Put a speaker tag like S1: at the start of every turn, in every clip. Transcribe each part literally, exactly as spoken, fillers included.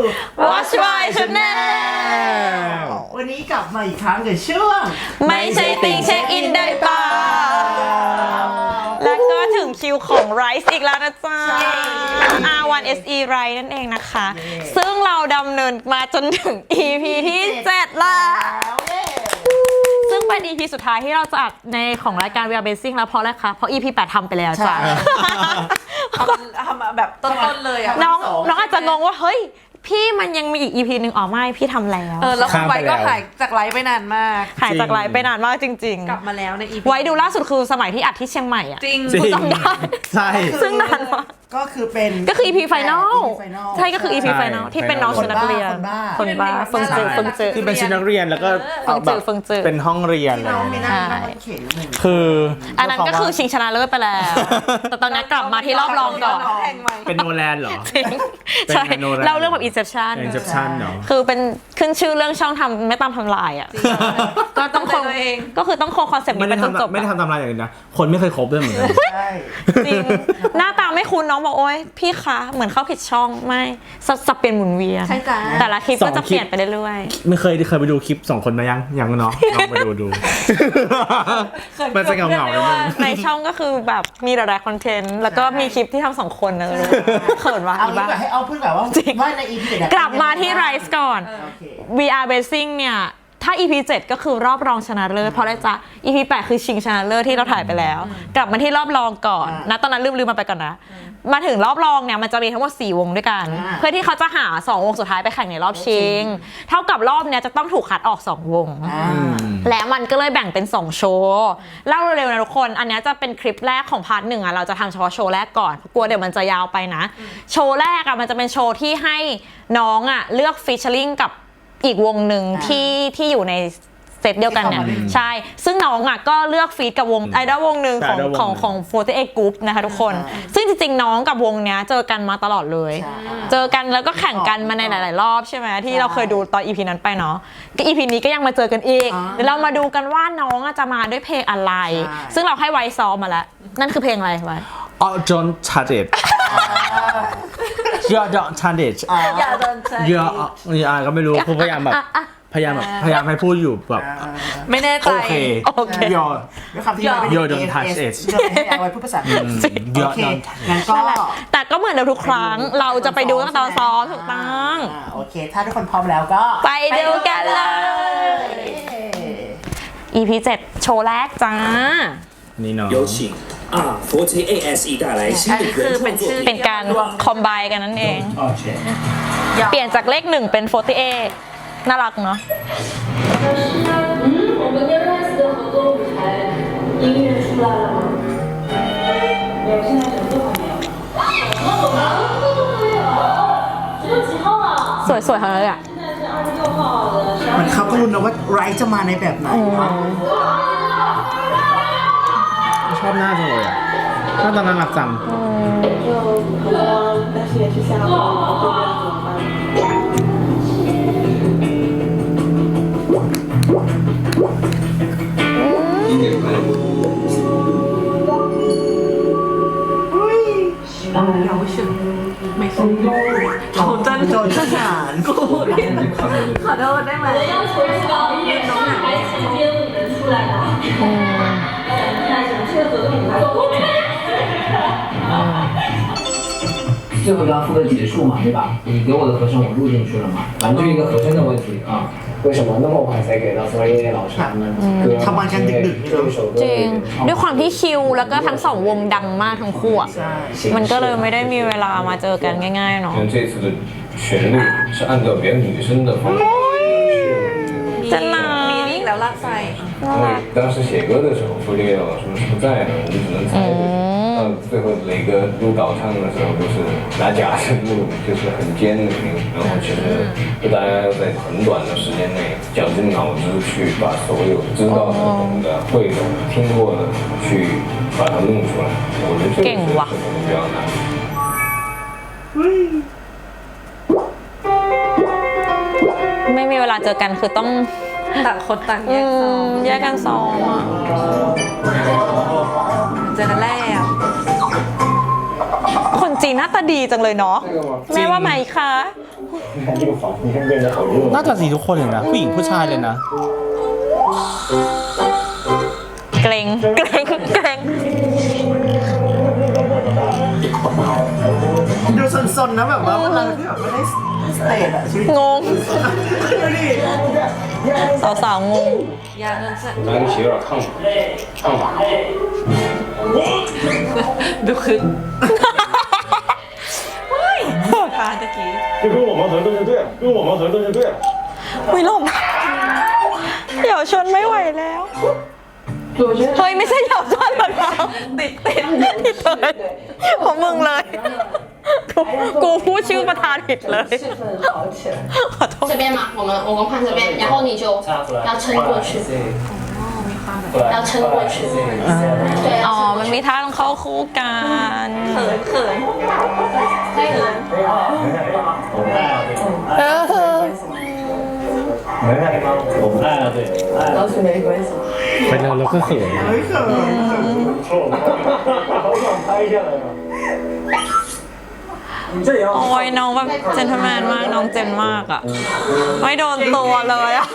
S1: Watch My Channel
S2: วันนี้กลับมาอีกครั้งกับช่วง
S1: ไม่ใช่ติ่งเช็คอินได้เปล่าแล้วก็ถึงคิวของ Rise อีกแล้วนะจ๊ะ อาร์ วัน เอส อี Rise นั่นเองนะคะ ซึ่งเราดำเนินมาจนถึง อี พี ที่เจ็ดแล้วซึ่งเป็น อี พี สุดท้ายที่เราจะอัดในของรายการ We Are Basing แล้วเพราะอะไรคะเพราะ อี พี แปดทำไปแล้วจ้ะ
S3: ทำแบบต้นๆเลยอะ
S1: น้องน้องอาจจะงงว่าเฮ้ยพี่มันยังมีอีก อี พี หนึ่งอ๋อไม่พี่ทำแล้ว
S3: เออแล้วคุณไว้ก็หายจากไลฟ์ไปนานมาก
S1: หายจากไลฟ์ไปนานมากจริงๆ
S3: กลับมาแล้วใน อี พี
S1: ไว้ดูล่าสุดคือสมัยที่อัดที่เชียงใหม่อ่ะ
S3: จริง
S1: กูจำได้
S4: ใช่
S1: ซึ่งนานมาก
S2: ก็คือเป็น
S1: ก็คือ อี พี Final ใช่ก็คือ อี พี Final ที่เป็นน้องชุดนักเรียนคนบ้าเฟิงจือเฟิงจือ
S4: ที่เป็นชุดนักเรียนแล้วก็
S1: เฟิงจือเฟิงจือ
S4: เป็นห้องเรียนเลยคือ
S1: อันนั้นก็คือชิงชนะเลิศไปแล้วแต่ตอนนี้กลับมาที่รอบรองก่อน
S4: เป็นโนแลนเหรอ
S1: ใช่เล่าเรื่องแบบ Inception
S4: Inception เนาะ
S1: คือเป็นขึ้นชื่อเรื่องช่องทำไม่ตามทำลายอ่ะก็ต้องคงก็คือต้องคงคอนเซ็ปต์นี้ไปจนจบ
S4: ไม่ได้ทำทำลายอย่างนี้นะคนไม่เคยครบด้วยเหมือนกัน
S1: จริงหน้าตาไม่คุ้นน้องบอกโอ๊ยพี่คะเหมือนเข้าผิดช่องไม่สับเปลี่ยนหมุนเวียนแต่ละคลิปก็จะเปลี่ยนไปเรื่อย
S4: ๆไม่เคยเคยไปดูคลิปสองคนมายังยังเนาะลองไปดูดูมันจะเงาเงา
S1: ในช่องก็คือแบบมีหลายๆคอนเทนต์แล้วก็มีคลิปที่ทำสองคนนะเขินว่า
S2: เอาแบบให้เอาพูดแบบว่าว่าใน อี พี
S1: กลับมาที่ Rise ก่อน We Are Basing เนี่ยถ้า อี พี เจ็ดก็คือรอบรองชนะเลิศเพราะอะไรจ๊ะ อี พี แปดคือชิงชนะเลิศที่เราถ่ายไปแล้วกลับมาที่รอบรองก่อนนะตอนนั้นลืมลืมมาไปก่อนนะมาถึงรอบรองเนี่ยมันจะมีทั้งหมดสี่วงด้วยกันเพื่อที่เขาจะหาสองวงสุดท้ายไปแข่งในรอบชิงเท่ากับรอบเนี้ยจะต้องถูกคัดออกสองวงและมันก็เลยแบ่งเป็นสองโชว์เล่าเร็วๆนะทุกคนอันนี้จะเป็นคลิปแรกของพาร์ทหนึ่งอ่ะเราจะทำเฉพาะโชว์แรกก่อนกลัวเดี๋ยวมันจะยาวไปนะโชว์แรกอ่ะมันจะเป็นโชว์ที่ให้น้องอ่ะเลือกฟีเจอริ่งกับอีกวงหนึ่งที่ที่อยู่ในเซตเดียวกันเนี่ยใช่ซึ่งน้องอ่ะก็เลือกฟีดกับวงไอดอลวงหนึ่งของของของโฟร์ตี้เอ็ด Group นะคะทุกคนซึ่งจริงๆน้องกับวงเนี้ยเจอกันมาตลอดเลยเจอกันแล้วก็แข่งกันมาในหลายๆรอบใช่ไหมที่เราเคยดูตอน อี พี นั้นไปเนาะก็ อี พี นี้ก็ยังมาเจอกันอีกเดี๋ยวเรามาดูกันว่าน้องจะมาด้วยเพลงอะไรซึ่งเราให้ไว้ซ้อมมาแล้วนั่นคือเพลงอะไรไว้
S4: อ๋อ Don't touch it You don't touch it
S3: อย่าโดนใจ
S4: อย่าอย่าก็ไม่รู้คือพยายามแบบพยายามแบบพยายามให้พูดอยู่แบบ
S3: ไม่แน่ใจ
S4: โอเค
S1: โอเค
S4: ยอ
S2: ด้วยคำที่เรา
S4: You don't touch it
S2: ให้เอาไว้พูดภาษาอังกฤษโอเคงั้นก็
S1: แต่ก็เหมือนเดิมทุกครั้งเราจะไปดูตั้งแต่ตอนซ้อมถูกต้อง
S2: โอเคถ้าทุกคนพร้อมแล้วก็
S1: ไปดูกันเลย อี พี เจ็ดโชว์แรกจ้า
S4: นี่เนาะ
S5: 有请 อาร์ โฟร์ตี้ เอ เอส อี 带来新的原创作品
S1: เป็นการคอมไบกันนั่นเองเปลี่ยนจากเลขหนึ่งเป็นโฟร์ตี้เอน่ารักเนาะ
S6: 我们跟 Rise 的合作舞台音乐出来了吗？没有，现在什么都还没有。什么我们什么都没有？什么几号啊？
S1: สวยๆทั้งนั้นเลยอ่ะ
S6: 现在是二十六号的。
S2: มันเขาก็รู้นะว่าไรจะมาในแบบไหน
S4: ชอบหน้าจังเลยอ่ะหน้าตาน่ารักจัง
S6: 就很多，但是也是下播，不知道怎么办。
S3: 有选没选โจจัน
S2: โจจันหาน
S3: กูขอโทษได้ไหม
S6: 我的要求是高，因为上台期间五人出来的。嗯。看什么？这个合同还不
S7: 最后一张副歌结束嘛，对吧？你给我的和声我录进去了嘛，反正就一个和声的问题啊。为什么那么晚才给到所有老师他们歌？
S2: ทำมากันดึกๆ
S7: 这一首歌
S1: จริงด้วยความที่คิวแล้วก็ทั้งสองวงดังมากทั้งคู่อ่ะมันก็เลยไม่ได้มีเวลามาเจอกันง่ายๆเนาะ
S5: 这次的旋律是按照别的女生的方法
S1: จะนา
S3: มีอีกแล้วลากไฟ
S5: 因为当时写歌的时候，傅立叶老师是不在的，我们只能猜对。到最后磊哥录导唱的时候，就是拿假声录，就是很尖的音，然后其实就大家要在很短的时间内绞尽脑汁去把所有知道的、懂的、会的、听过的去把它弄出来。我觉得这个是比较难。
S1: ไม่มีเวลาเจอกันคือต้อง
S3: ต่างคนต่างแยกซ้อม
S1: แยกกันซ้อมอ่ะ
S3: เจอกันแล้ว
S1: คนจีหน้าตาดีจังเลยเนาะแม่ว่าไหมคะ
S5: 你看这个房，你看变得好热。
S4: น่าจะสีทุกคนเลยนะผู้หญิงผู้ชายเลยนะ
S1: เกรงเกรงเกรง
S2: ดูสนๆนะแบบว่าเวลาที่แบบไม่ได้สเตจอะชีวิต
S1: งง
S2: ดูดิ
S1: สาวๆงง
S3: ยาเงินเสร็จ
S5: 拿个鞋有点烫吧，烫吧。
S3: ดูคึกพาตะกี้
S5: 就跟我们合作就对了，跟我们合作就对了。
S1: วิลมเหยาชนไม่ไหวแล้ว เฮ้ย ไม่ใช่เหยาชนหรอกนะติดติดติดเลยของมึงเลยกูกูพูดชื่อประธานผิดเลยขอโทษ
S8: 这边嘛，我们我们换这边，然后你就要撑过去，要撑过去。对，
S1: อ๋อ
S8: 要
S1: มันมีท่าต้องเข้าคู่กัน
S3: เขินเขินให้เขิน
S1: เออ
S5: 没爱吗？我们爱了，对。
S6: 倒是没关系。
S4: ไปแล้วเราก็เขิน
S2: เฮ้ยเขิน
S5: 好想拍下来啊！你这也要
S1: โอ้ยน้องแบบเจนทแมนมากน้องเจนมากอ่ะ ไม่โดนตัวเลยอ่ะ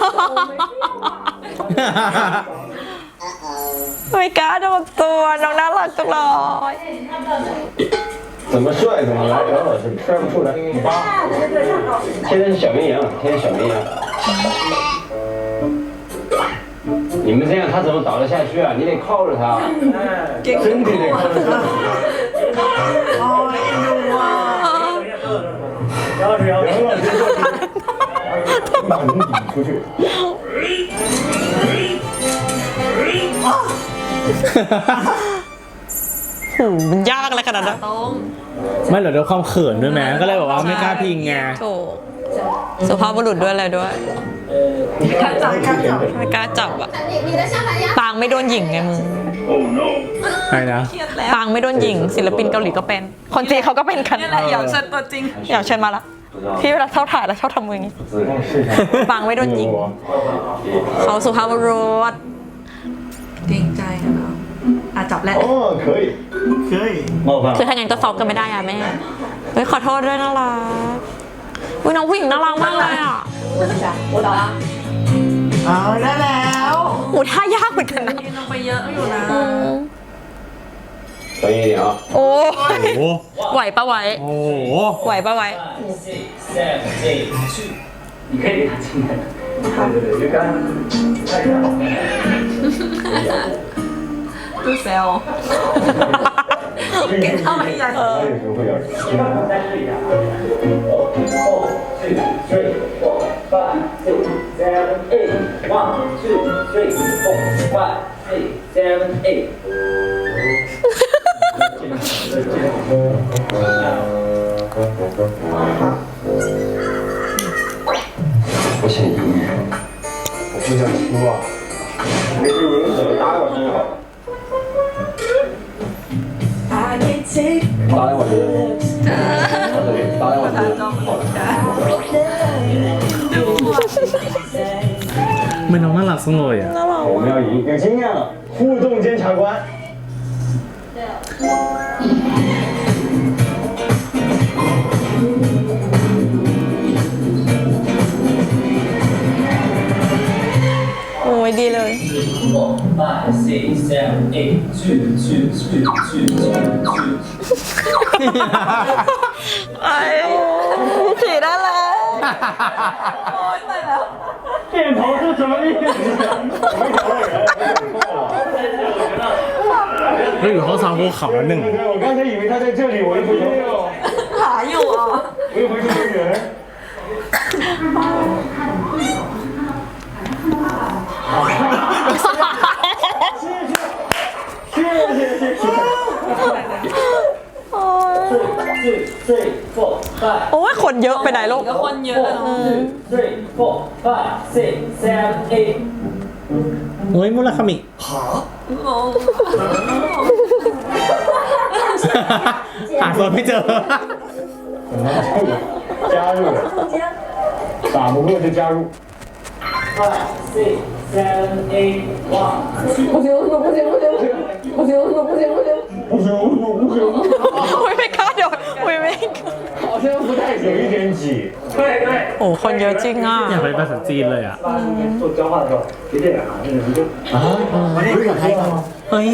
S1: ไม่กล้าโดนตัวน้องน่ารักจังเลย
S5: 怎么帅怎么来，姚老师帅不出来。现在是小绵羊，现在小绵羊。你们这样他怎么倒得下去啊？你得靠着他，身体得靠着他。
S2: โอ้ยเอ็นดูอ่ะ
S5: 姚老师，姚老师过去，把你顶出去。
S1: โหมันยากอะไรขนาดนั้น
S3: ตรง
S4: ไม่เหรอด้วยความเขินด้วยไหมก็เลยบอกว่าไม่กล้าพิงไง
S1: ถูกสุภาพบุรุษด้วยอะไรด้วย
S2: การจับการจับ
S1: ไม่กล้าจับอ่ะ
S8: 你你的下盘压
S1: ปางไม่โดนหญิงไงมึง
S4: ใช่นะ
S3: เครียดแล้ว
S1: ปางไม่โดนหญิงศิลปินเกาหลีก็เป็น คนจีนเขาก็เป็นกัน
S3: นี่แหละเหยาเชิญตัวจริง
S1: อยากเชิญมาละพี่เวลาชอบถ่ายแล้วชอบทำมืออย่างนี้ ปางไม่โดนหญิง เขาสุภาพบุรุษ
S3: เกรงใจอะเนาะอ่ะจับแล้ว
S5: 哦，可以，
S2: เฮ้ย
S5: 冒犯
S1: คือถ้างั้นก็ซอฟกันไม่ได้อะแม่ เฮ้ยขอโทษด้วยน่ารักอุ้ยน้องผู้หญิงน่ารักมากเลยอ่ะ
S6: 我倒了。
S2: เอาได้แล้ว
S1: โอ้ท่ายากเหมือนกันนะ
S3: กินลงไปเยอะอยู่นะ
S5: 专业一点啊。
S1: โอ้
S4: โอ้โห
S1: ไหวปะไหว
S4: โอ้โห
S1: ไหวปะไหว
S7: 你可以给他进来的。对对对，就刚。
S3: ดูเซลเก่งเท่าไหร่ใหญ่
S5: 他有时候会有点激动。
S7: Three, four, five, six, seven, eight. One, two, three, four, five, six, seven, eight.
S5: 我想赢，我不想输啊。没事，我用手打两把针就好了。打两把针，对，打两把针，好了。
S4: ไม่น้องน่ารักจังเลยอ่ะ
S5: 我们要赢，有经验了，互动监察官。
S1: โอ้ยดีเลย
S7: Four, five, six, seven, eight. Two, two, two, two, two, two.
S1: ไอ้ผีได้แล้ว
S5: 点头是什么意思？没找到人，错了。
S4: เราอยู่ห้องซ้อมภูเขาแล้วหนึ่ง
S5: 对对，我刚才以为他在这里，我一回头，
S3: หาอยู่อ่ะ
S5: 我一回头没人。谢谢谢谢。
S7: Two, three, four, five.
S1: โอ้ยคนเยอะไปไหนลูก
S3: ก็คนเยอะอะเนาะ
S7: Three, four, five, six, seven, eight.
S4: เฮ้ยมุราคามิ
S3: งง
S4: หาตัวไม่เจอ
S5: 加入，打不过就加入。
S7: Five, six, 三 A one， 不行不行不行不行不行不行不行不行不行不行，
S1: อุ้ยไม่กล้าโดดอุ้ยไม่กล้า
S7: 好像不太行，有一点挤。对对。
S1: โอ้คนเยอะจริงอ่ะ
S4: อยากไปภาษาจีนเลยอ่ะ
S7: 做交换的时候，别这样啊，这个你就啊，
S2: ไม่ได้อยากให้เขา
S1: เฮ้ย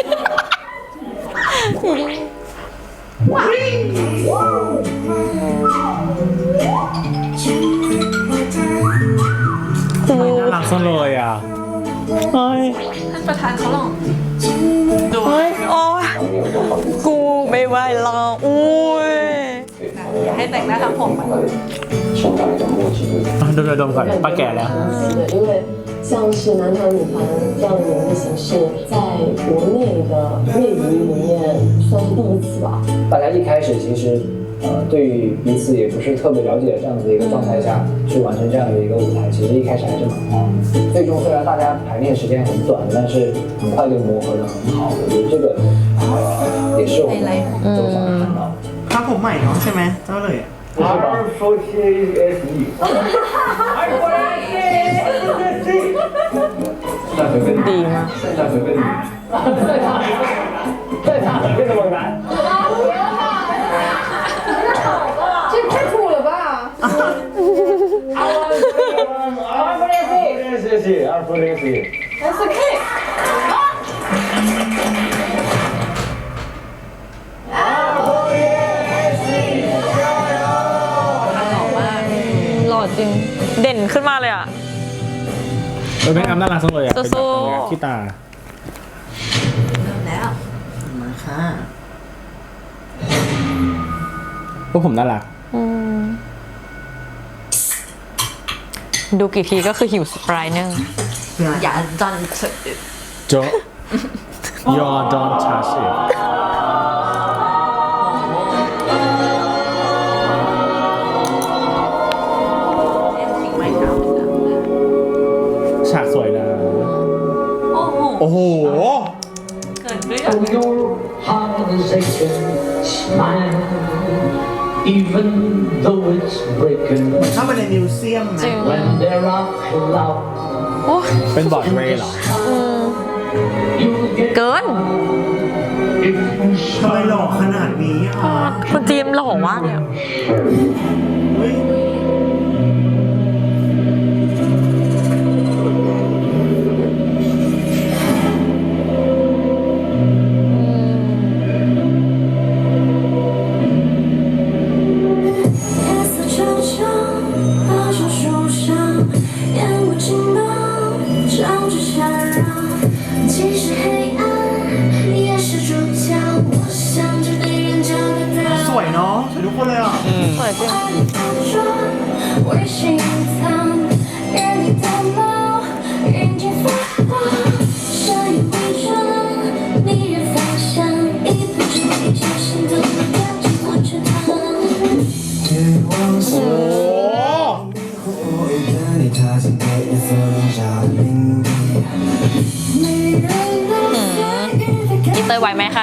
S1: กู
S4: น่ารักจังเลยอ่ะเฮ้ย
S3: ท่านประธานเขาลองดู
S1: เฮ้ยโอ้ยกูไม่ไหวแล้วอุ้ย
S3: ให้แต่งหน้าทำผมมัน
S5: 生长一种默契，就是
S4: อ่ะดมดมก่อนป้าแก่แล้ว
S9: 对，因为像是男团、女团这样的演绎形式，在国内的内娱里面算是第一次吧。
S7: 大家一开始其实呃对于彼此也不是特别了解的这样子的一个状态下去完成这样的一个舞台，其实一开始还是蛮慌的。最终虽然大家排练时间很短，但是很快就磨合的很好。我觉得这个呃也是我们都想看到的。
S2: ถ้าผมใหม่เนาะใช่ไหมเจ้าเลยอะ
S7: 不是吧？说 T A S E。再随便
S1: ดีมาก
S7: 再随便再大再大变得猛男。
S8: 这太土了吧！
S7: 二不练习，练习，二不练习。
S8: S K。
S1: หล่อจริงเด่นขึ้นมาเลยอ่ะ
S4: เออแม่งอ้ำน่ารักจังเลยอ่ะ เป็นแบบ
S1: สู้ๆ
S4: เนี้ยขี้ตา
S3: เริ่มแล้ว
S2: มาค่ะ
S4: พวกผมน่ารัก
S1: อืมดูกี่ทีก็คือหิวสปรายเนอร์
S3: อย่าดันเถอะ
S4: โจ๊ะ Your don't touch it
S3: ไม่ทำ
S4: ฉากสวยนะ
S3: โอ้โห
S4: โอ้โห
S3: เกิดด้วย
S7: Oh, your heart is aching, smile, even though it's breaking.
S2: เข้าไปในมิวเซียม
S1: จริง
S2: นะ
S7: When there are clouds,
S1: โอ้ย
S4: เป็นบอร์ดเวย์เหรอ
S7: you'll get
S1: เกิน
S7: if you
S2: ทำไมหล่อขนาดนี้อ่ะ
S1: คุณจีมหล่อมากเลยอะ
S2: เฮ้ย
S6: 夜色沉香，大树树上，烟雾惊爆，照着缠绕。即使黑暗，你也是主角。我想着对人交个
S2: ส
S6: 道。
S2: วยเนาะสวยทุกคนเลยอ่ะ
S1: สวยจริง
S6: 爱的假装，微信藏，人里的猫，人间发光，善意伪装，迷人芳香，一不注意就心动了，掉进火车塘。
S1: อีเตยไหวไหมคะ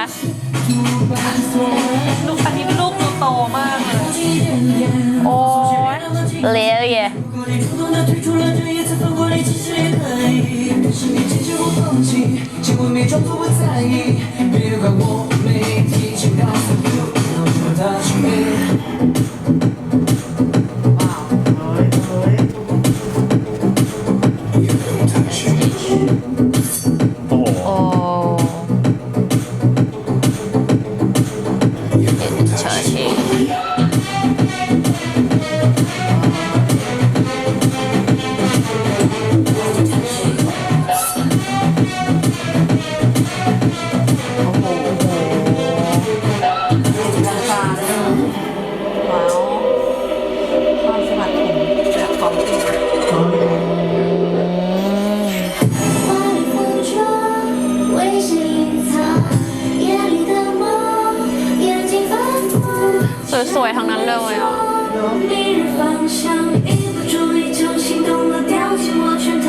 S3: ลูกอันนี้ลูกดูโตมากเลย
S1: โอ้ยเลี้ยวเย่
S4: โอ้โห
S1: โอ้เฉยชีสวยๆทั้งนั้นเลยอ่ะ
S6: 迷人芳香，一不注意就心动了，掉进我圈套。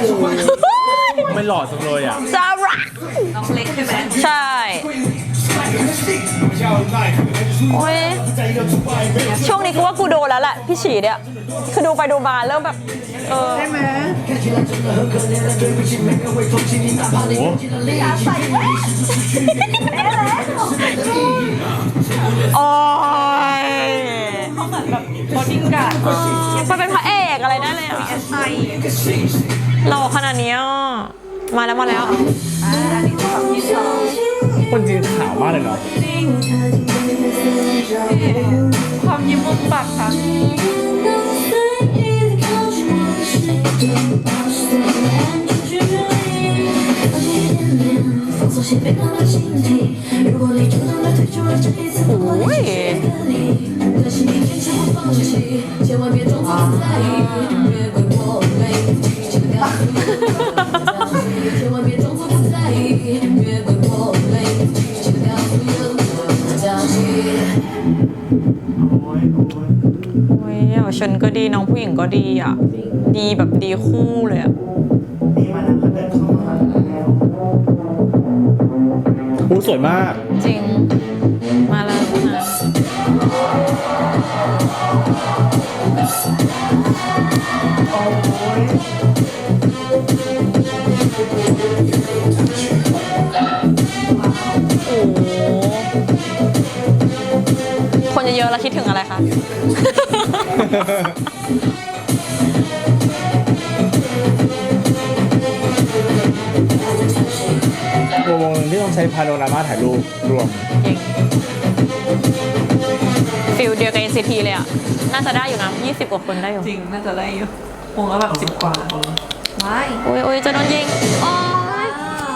S4: ไม่หล่อจังเลยอ่ะ
S1: ซาร่า
S3: น้องเล็กใช่ไหม
S1: ใช่โอ้ยช่วงนี้กูว่ากูโดนแล้วแหละพี่ฉีเนี่ยคือดูไปดูมาเริ่มแบบเออใช่ไหมโอ้ยเขาเหมือนแบบบอดี้การ์ดมันเป็นพระเอกอะไรได้เลยอ่ะหล่อขนาดนี้มาแล้วมาแล้ว
S4: คนจีนขาวมากเลยเนาะ
S3: ความยิ้มมุมปากค่ะ
S1: โอ้ยโอ้ยเยาวชนก็ดีน้องผู้หญิงก็ดีอ่ะดีแบบดีคู่เลยอ่ะ
S2: ดีมาแล้วเขาเดินเข้ามาแล้ว
S4: อู้สวยมาก
S1: จริงมาแล้วนะ
S2: โอ้ย
S1: โอ้คนเยอะๆแล้วคิดถึงอะไรคะ
S4: วงที่ต้องใช้พาโนรามาถ่ายรูปรวม
S1: จริงฟิลเดียวกับ เอ็น ซี ที เลยอ่ะ น่าจะได้อยู่นะยี่สิบกว่าคนได้อยู่
S3: จริงน่าจะได้อยู่วงละแบบสิบกว่าว้าย
S1: โอ้ยโอ้ยจะโดนยิงโอ้ย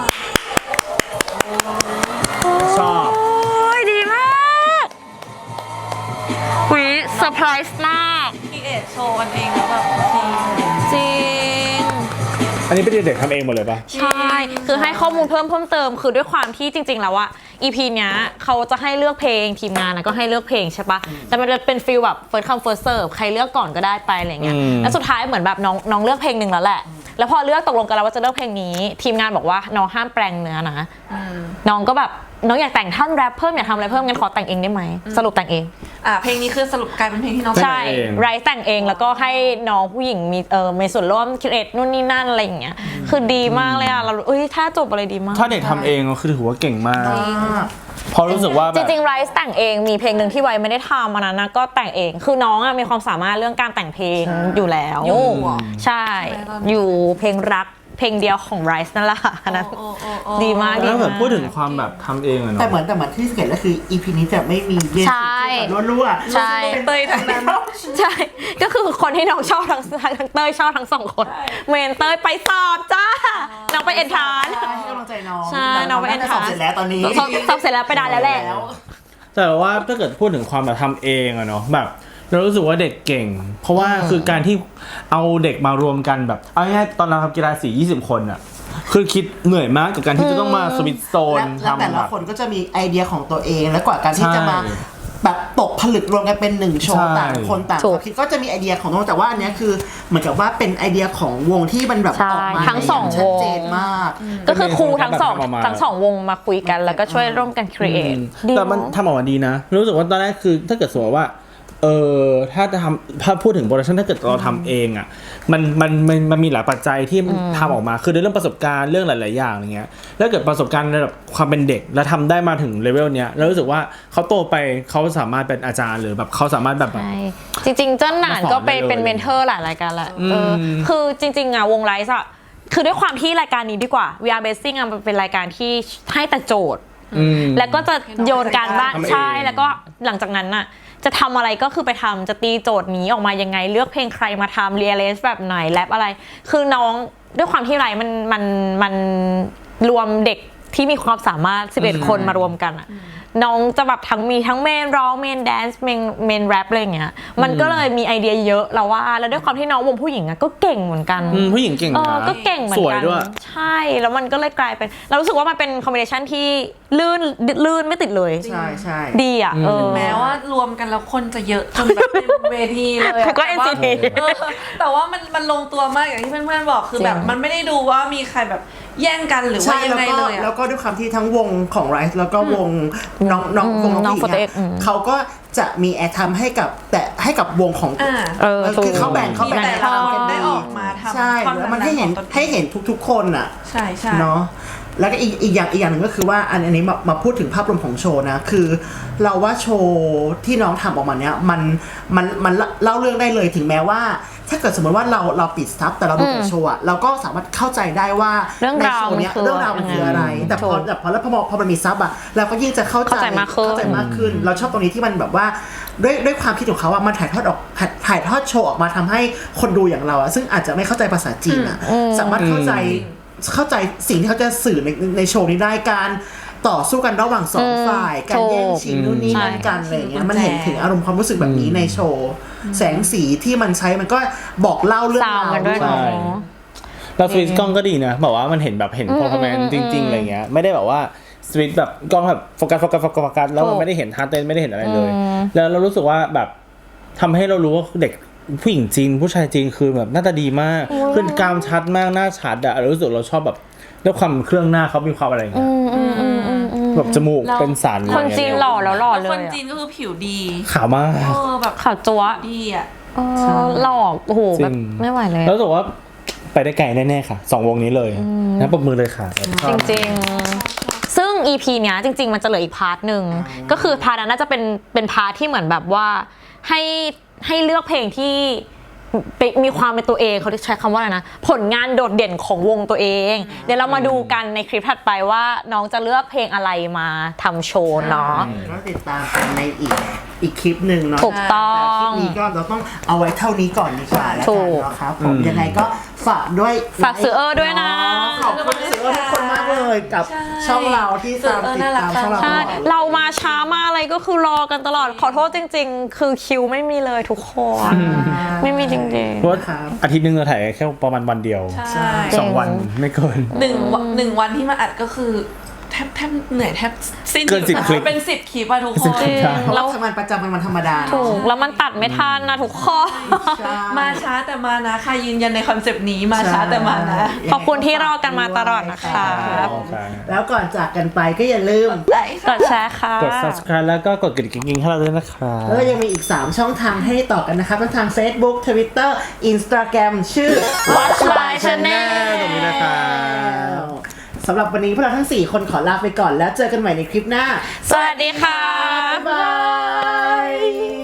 S4: ชอบ
S1: โอ้ยดีมากวิเซอร์ไพรส์มาก
S3: คีเอทโชว์กันเองแล้วแบบดี
S1: จริง
S4: อันนี้เป็นเด็กๆทำเองหมดเลยปะ
S1: ใช่ คือให้ข้อมูลเพิ่มเพิ่มเติม คือด้วยความที่จริง ๆ แล้วอะ อี พี เนี้ยเขาจะให้เลือกเพลงทีมงานนะก็ให้เลือกเพลงใช่ปะแต่มันจะเป็นฟีลแบบ first come first serve ใครเลือกก่อนก็ได้ไปอะไรเงี้ย แล้วสุดท้ายเหมือนแบบน้องน้องเลือกเพลงหนึ่งแล้วแหละ แล้วพอเลือกตกลงกันแล้วว่าจะเลือกเพลงนี้ ทีมงานบอกว่าน้องห้ามแปลงเนื้อนะ น้องก็แบบน้องอยากแต่งท่อนแรปเพิ่มอยากทำอะไรเพิ่มงั้นขอแต่งเองได้ไหม สรุปแต่งเอง
S3: อ่ะเพลงนี้คือสรุปกลายเป็นเพลงที่น้อง
S1: ใช่ไรซ์แต่งเองแล้วก็ให้น้องผู้หญิงมีเออมีส่วนร่วมคิดเอ็ดนู่นนี่นั่นอะไรอย่างเงี้ยคือดีมากเลยอ่ะเราเอ้ยถ้าจบอะไรดีมาก
S4: ถ้าเด็กทำเองก็คือถือว่าเก่งมากเพราะรู้สึกว่าแบ
S1: จ
S4: บ
S1: ริงๆไรซ์แต่งเองมีเพลงหนึ่งที่ไว้ไม่ได้ทำอันนั้นนะก็แต่งเองคือน้องอะมีความสามารถเรื่องการแต่งเพลงอยู่แล้วใช่อยู่เพลงรักเพลงเดียวของไรซ์นั่นแหละค่ะอันนั้นดีมากดี
S4: แล้วแบ
S1: มา
S4: บ
S1: ก
S4: พูดถึงความแบบทำเองอะเนาะ
S2: แต่เหมือนแต่เหมือนที่สังเกตก็คือ อี พี นี้จะไม่มีเบส
S1: ใช่
S2: รั่วๆ
S1: ใช่
S3: เตยทั้งนั้น
S1: ใช่ ก็คือคนที่น้องชอบทั้งทั้งเต้ยชอบทั้งสองคน เมนเต้ยไปสอบจ้า น้องไปเอ็นทรานซ์
S2: ใช่ให้กำลังใจน้อง
S1: ใช่น้องไปเอ็นท
S2: ส
S1: รา
S2: อน บ
S1: ซ์
S2: เสร็จแล้วตอนนี้
S1: สอบสอบเสร็จแล้วไปได้แล้วแหละ
S4: แต่ว่าถ้าเกิดพูดถึงความแบบทำเองอะเนาะแบบเรารู้สึกว่าเด็กเก่ง เพราะว่าคือการที่เอาเด็กมารวมกันแบบเอาง่ายๆตอนเราทำกีฬาสียี่สิบคนอะคือคิดเหนื่อยมากกับการที่จะต้องมาสวิตช์โซน
S2: และและแต่
S4: ทำแบ
S2: ละ
S4: บ
S2: คนก็จะมีไอเดียของตัวเองและกว่าการที่
S4: ใช่
S2: จะมาแบบตกผลึกรวมกันเป็นหนึ่งโชว์
S4: ใช่
S2: ต่างคนต่าง
S1: ถูก
S2: คิดก็จะมีไอเดียของน้องแต่ว่าอันเนี้ยคือเหมือนกับว่าเป็นไอเดียของวงที่มันแบบ
S1: ใช่
S2: ออกมา
S1: ทั้งสอง
S2: ย่าชัดเจน
S1: วง
S2: มาก
S1: ก็คือครูทั้งสอง
S4: แบบทำออกมา
S1: ทั้งสองวงมาคุยกันแล้วก็ช่วยร่วมกันครีเอท
S4: แต่มันทำออกมาดีนะ รู้สึกว่าตอนแรกคือถ้าเกิดสมมติว่าเออถ้าจะทำถ้าพูดถึงโปรดักชันถ้าเกิดเราทำเองอ่ะมันมันมันมันมีหลายปัจจัยที่ทำออกมาคือในเรื่องประสบการณ์เรื่องหลายๆอย่างอะไรเงี้ยแล้วเกิดประสบการณ์ในแบบความเป็นเด็กแล้วทำได้มาถึงเลเวลเนี้ยแล้วรู้สึกว่าเขาโตไปเขาสามารถเป็นอาจารย์หรือแบบเขาสามารถแบบ
S1: ใช่จริงๆเจ้าหนานก็เป็นเป็นเมนเทอร์หลายรายการแหละเออคือจริงๆอะวงไลฟ์อะคือด้วยความที่รายการนี้ดีกว่า วี อาร์ Basing อะมันเป็นรายการที่ให้แต่โจทย์ แล้วก็จะโยนการบ้านใช่แล้วก็หลังจากนั้นน่ะจะทำอะไรก็คือไปทำจะตีโจทย์นี้ออกมายังไงเลือกเพลงใครมาทำเรียลเลสแบบไหนแรปอะไร คือน้องด้วยความที่ไรมันมันมันรวมเด็กที่มีความสามารถสิบเอ็ดคนมารวมกันอะน้องจะแบบทั้งมีทั้งเมนร้องเมนแดนซ์เมนเมนแรปอะไรอย่างเงี้ยมันก็เลยมีไอเดียเยอะแล้วว่าแล้วด้วยความที่น้องวงผู้หญิงอะก็เก่งเหมือนกัน
S4: ผู้หญิงเก่ง
S1: เอ
S4: นะ
S1: อก็เก่งเหมือ
S4: ส
S1: น
S4: วย
S1: กัน
S4: ด้วย
S1: ใช่แล้วมันก็เลยกลายเป็นเรารู้สึกว่ามันเป็นคอมบิเนชันที่ลื่นลื่นไม่ติดเลย
S2: ใช่ใช่
S1: ดีอ่ะเออ
S3: แม้ว่ารวมกันแล้วคนจะเยอะจนแบบเป็นเวทีเลยอะ
S1: ก็
S3: แต่ว่า
S1: เอ็น ซี ที
S3: เออแต่ว่ามันมันลงตัวมากอย่างที่เพื่อนๆบอกคือแบบ
S1: จริง
S3: มันไม่ได้ดูว่ามีใครแบบแย่งกันหรือว่า
S2: ใช่
S3: ยัง
S2: แล้ว
S3: ไง
S2: ก็
S3: เลยอะ
S2: แล้วก็ด้วยความที่ทั้งวงของไรซ์แล้วก็วงน้องน้องวงน้อง
S1: น้อง
S2: ผู้หญิง
S1: โฟร์ตี้เอ็
S2: อะ
S1: กซ์อืม
S2: เขาก็จะมีแอร์ทำให้กับแต่ให้กับวงของ
S3: อ่า
S1: เออ
S2: คือเขาแบ่งเขา
S3: มี
S2: แบ่ง
S3: แต่
S2: ทำกัน
S3: ได้
S2: ดี
S3: ออกมาทำ
S2: ใช่
S3: ท่อน
S2: แล้วมันให้เห็น
S3: ของตนเอง
S2: ให้เห็นทุกๆคนอ่ะ
S3: ใช่ใช่
S2: เนาะแล้วก็อีกอีกอย่างอีกอย่างหนึ่งก็คือว่าอันอันนี้มามาพูดถึงภาพรวมของโชว์นะคือ เราว่าโชว์ที่น้องทำออกมาเนี้ยมันมันมันเล่าเรื่องได้เลยถึงแม้ว่า ถ้าเกิดสมมติว่าเราเราปิดซับแต่เราดูแต่โชว์อะเราก็สามารถเข้าใจได้ว่า
S1: เรื่อง
S2: ใน
S1: ราว
S2: โชว์เนี้ย
S1: มันคือ
S2: เรื่องราวมันคืออะไร แต่พอ
S1: ถูก
S2: แต่พอแล้วพอพอมันมีซับอะเราก็ยิ่งจะเข้าใจ
S1: เข้าใจมากขึ้น
S2: เข้าใจมากขึ้น เราชอบตรงนี้ที่มันแบบว่าด้วยด้วยความคิดของเขาอะมันถ่ายทอดออกถ่ายถ่ายทอดโชว์ออกมาทำให้คนดูอย่างเราอะซึ่งอาจจะไม่เข้าใจภาษาจีนอะสามารถเข้าใจเข้าใจสิ่งที่เขาจะสื่อในในโชว์นี้ได้การต่อสู้กันระหว่างสองฝ่าย การแย่งชิงนู่นนี่นั่นกันอะไรอย่างเงี้ยมันเห็นถึงอารมณ์ความรู้สึกแบบนี้ในโชว์ แสงสีที่มันใช้มันก็บอกเล่าเรื่อง
S1: ซาว
S2: ราว
S1: มันด้วย
S2: ด้วย
S1: เนาะ
S4: ใช่ เราสวิตช์กล้องก็ดีนะแบบว่ามันเห็นแบบเห็น
S1: อืม
S4: พอร์แมน
S1: อืม
S4: จริงๆอะไรเงี้ยไม่ได้แบบว่าสวิตช์แบบกล้องแบบโฟกัสโฟกัสโฟกัสโฟกัสแล้ว
S1: ถู
S4: มัน
S1: ก
S4: ไม่ได้เห็นฮาร์ดเต้นไม่ได้เห็นอะไรเลย
S1: อืม
S4: แล้วเรารู้สึกว่าแบบทำให้เรารู้ว่าเด็กผู้หญิงจีนผู้ชายจีนคือแบบหน้าตาดีมากคือกรามชัดมากหน้าชัดอะเรารู้สึกเราชอบแบบด้วยความเครื่องหน้าเขามีความอะไรอย่างเงี้ย
S1: อืมอืมอืมอืมอืม
S4: แบบจมูก
S3: แล้ว
S4: เป็นสัน
S1: คนจีนหล่อแล้วหล่อ
S3: แล้ว
S1: เล
S3: คน
S1: ยอะ
S3: จีนก็คือผิวดี
S4: ขาวมาก
S3: เออแบบ
S1: ขาวจั๊วะ
S3: ดีอ่ะ
S1: เออหลอกโอ้โห
S4: จริ
S1: แบบ
S4: ง
S1: ไม่ไหวเลย
S4: แล้วรู้สึกว่าไปได้ไกลแน่ๆค่ะสองวงนี้เลยนะปรบมือเลยค่ะ
S1: จริงๆ ซึ่ง อี พี เนี้ยจริง ๆ มันจะเหลืออีกพาร์ทหนึ่งก็คือพาร์ทนั้นน่าจะเป็นเป็นพาร์ทที่เหมือนแบบว่าให้ให้เลือกเพลงที่เป็นมีความเป็นตัวเองเขาใช้คำว่าอะไรนะผลงานโดดเด่นของวงตัวเอง เดี๋ยวเรามาดูกันในคลิปถัดไปว่าน้องจะเลือกเพลงอะไรมาทำโชว์เนาะ
S2: ก็ติดตามกันในอีกอีกคลิปหนึ่งเนาะ
S1: ถูกต้อง
S2: แต่คลิปนี้ก็เราต้องเอาไว้เท่านี้ก่อนดีกว่าแล้ว
S1: ถู
S2: กัน
S1: ก
S2: เนาะครับผมยังไงก็ฝากด้วย
S1: ฝากซื้อเออด้วยนะ
S2: ขอบคุณซื้อเออทุกคนมากเลยกับ
S3: ใช่
S2: ช่องเราที่ตาม
S3: ซื้อเออ
S2: ติด
S3: น่ารั
S2: ตาก มช่องเรา
S1: ใช่
S2: ตลอด
S1: เรามาช้ามาอะไรก็คือรอกันตลอดขอโทษจริง ๆ คือคิวไม่มีเลยทุกคนไม่มีจริง
S4: เพราะว่าอาทิตย์หนึงเราถ่ายแค่ประมาณวันเดียว
S3: ใช่
S4: สองวันไม่เกิน
S3: หนึ่งวันหนึ่งวันที่มาอัดก็คือแทบแทบเหนื่อยแทบสิ้น
S4: เกินสิบคลิป
S3: เป็นสิบคลิปอะทุกค
S4: สิบ
S3: น
S4: คลิป
S2: เพราะเราทำงานประจำเป็นวันธรรมดา
S1: ๆถูกแล้วมันตัดไม่ทันนะทุกคน
S2: ใช่
S3: มาช้าแต่มานะค่ะยืนยันในคอนเซปต์นี้มาช้าแต่มานะ
S1: ขอบคุณที่รอกันมาตลอดนะคะ
S2: แล้วก่อนจากกันไปก็อย่าลืม
S1: กดแชร์ค่ะ
S4: กด subscribe แล้วก็กดกระดิ่งให้เราด้วยนะครับ
S2: แล้วก็ยังมีอีก สาม ช่องทางให้ต่อกันนะครับทั้งทาง Facebook Twitter Instagram ชื่อ
S1: Watch My Channel
S4: ตรงนี้นะครับ
S2: สำหรับวันนี้พวกเราทั้ง สี่ คนขอลาไปก่อนแล้วเจอกันใหม่ในคลิปหน้า
S1: สวัสดีค่ะ
S2: บ๊ายบาย